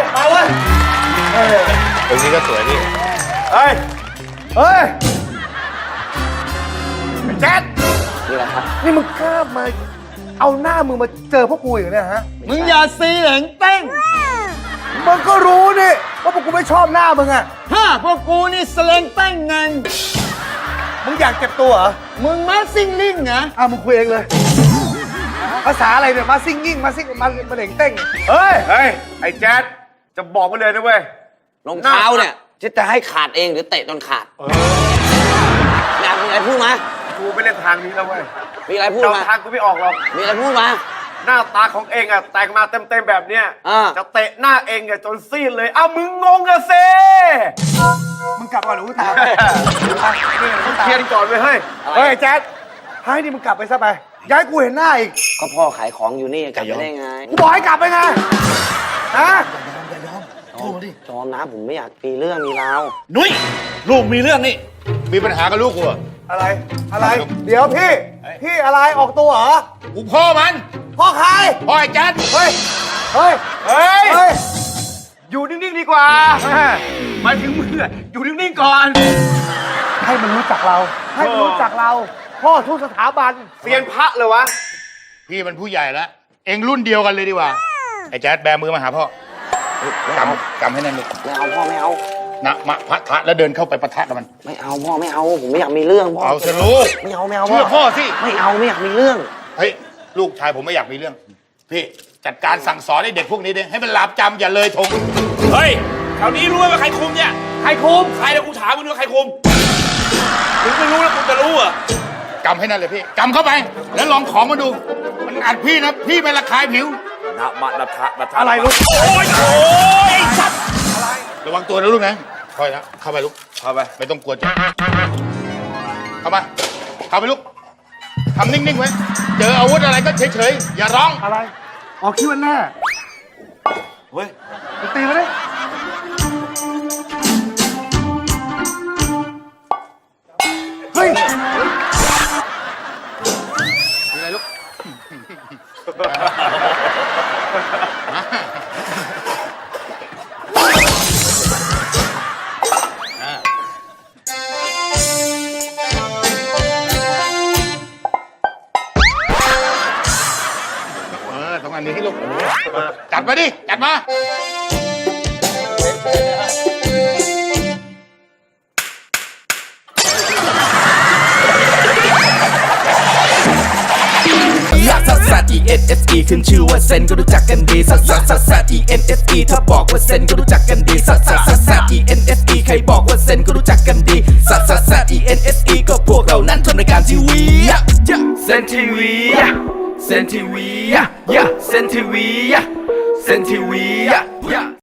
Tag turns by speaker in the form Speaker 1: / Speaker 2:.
Speaker 1: มาเว้ย
Speaker 2: ตรงนี้ก็สวยพี่
Speaker 1: เฮ้ยแจ๊ด
Speaker 3: นี่แหละครับ
Speaker 1: นี่มึงกล้ามาเอาหน้ามึงมาเจอพวกกูอย่างนี้ฮะ
Speaker 4: มึงอย่าซีเหลงเต้ง
Speaker 1: มึงก็รู้นี่ว่าพวกกูไม่ชอบหน้ามึงอะ
Speaker 4: พวกกูนี่สเลงเต้งไง
Speaker 1: มึงอยากเก็บตัวเหรอ
Speaker 4: มึงมาซิ่งลิ่งเหรอ
Speaker 1: มึงคุยเองเลยภาษาอะไรเนี่ยมาซิ่งยิ่งมาซิ่งมาเหล่งเต้งเฮ้ยไอ้แจ๊ดจะบอกมาเลยนะเว้ย
Speaker 3: รองเท้าเนี่ยจะให้ขาดเองหรือเตะจนขาดอยากมีอะไรพูดมา
Speaker 1: กูไม่เล่นทางนี้แล้วเว้ย
Speaker 3: มีอะไรพูด
Speaker 1: เดา
Speaker 3: มา
Speaker 1: ทางกูไม่ออกหรอก
Speaker 3: มีอะไรพูดมา
Speaker 1: หน้าตาของเองอะแต่งมาเต็มๆแบบเนี้ย จะเตะหน้าเองอะจนซีดเลย มึงงงอะเซมึงกลับก่อนหรือกูตามมึงเคลียร์ก่อนเว้ยเฮ้ยแจ๊ดให้นี่มึงกลับไปซะไปย้ายกูเห็นหน้าอีก
Speaker 3: ก็พ่อขายของอยู่นี่กลับไปได้ไง
Speaker 1: กูบอกให้กลับไปไงฮะ
Speaker 3: จอมนะผมไม่อยากมีเรื่องมีราว
Speaker 2: นุ้ยลูกมีเรื่องนี่มีปัญหากับลูกกูเหรอ
Speaker 1: อะไรเดี๋ยวพี่อะไรออกตัวเหรอ
Speaker 2: กูพ่อมัน
Speaker 1: พ่อใคร
Speaker 2: พ่อไอ้แจ๊ด
Speaker 1: เฮ้ยอยู่นิ่งๆดีกว่าหมายถึงมึงอะอยู่นิ่งๆก่อน ให้มันรู้จักเรา ให้มันรู้จักเรา พ่อทุกสถาบันเซียนพระเลยวะ
Speaker 2: พี่มันผู้ใหญ่แล้วเองรุ่นเดียวกันเลยดีกว่าไอ้แจ๊ดแบมือมาหาพ่อกำให้แน่นลูก
Speaker 3: ไม่เอาพ่อไม่เอา
Speaker 2: นะมาพะทะแล้วเดินเข้าไปปะทะกับมัน
Speaker 3: ไม่เอาพ่อไม่เอาผมไม่อยากมีเรื่องพ่อ
Speaker 2: เอาสิลูก
Speaker 3: ไม่เอา
Speaker 2: เชื่อพ่อสิ
Speaker 3: ไม่เอาไม่อยากมีเรื่อง
Speaker 2: เฮ้ยลูกชายผมไม่อยากมีเรื่องพี่จัดการสั่งสอนให้เด็กพวกนี้ดิให้มันหลาบจำอย่าเลยทง
Speaker 5: เฮ้ยแถวนี้รู้ไหมว่าใครคุมเนี่ย
Speaker 1: ใครคุม
Speaker 5: ใครแล้วกูถามมึงว่าใครคุมมึงไม่รู้แล้วกูจะรู้เหรอ่ะ
Speaker 2: กำให้นั่นเลยพี่กำเข้าไป แล้วลองของมาดู มันอัดพี่นะพี่ไม่ระคายผิว
Speaker 5: นะมะนะทะนะทะ
Speaker 1: อะไรลูก
Speaker 5: โอ้ยสัตว์
Speaker 2: ระวังตัวนะลูกนะคอยนะเข้าไปลูก
Speaker 5: เข้าไป
Speaker 2: ไม่ต้องกลัวจ้ะเข้ามาเข้าไปลูกทำนิ่งๆไว้เจออาวุธอะไรก็เฉยๆอย่าร้อง
Speaker 1: อะไรออกคิดวันหน้า
Speaker 5: เฮ้ย
Speaker 1: มึงตีมาดิเฮ้ย
Speaker 2: อะไรลูกตรงอันนี้ให้ลูกจัดมาดิจัดมา
Speaker 6: ซัสซัส E N S E ขึ้นชื่อว่าเซนก็รู้จักกันดีซัสซัสซัสซัส E N S E ถ้าบอกว่าเซนก็รู้จักกันดีซัสซัสซัสซัส E N S E ใครบอกว่าเซนก็รู้จักกันดีซัสซัสซัส E N S E ก็พวกเรานั้นทำรายการทีวีเซนทีวีเซนทีวีเซนทีวีเซนทีวี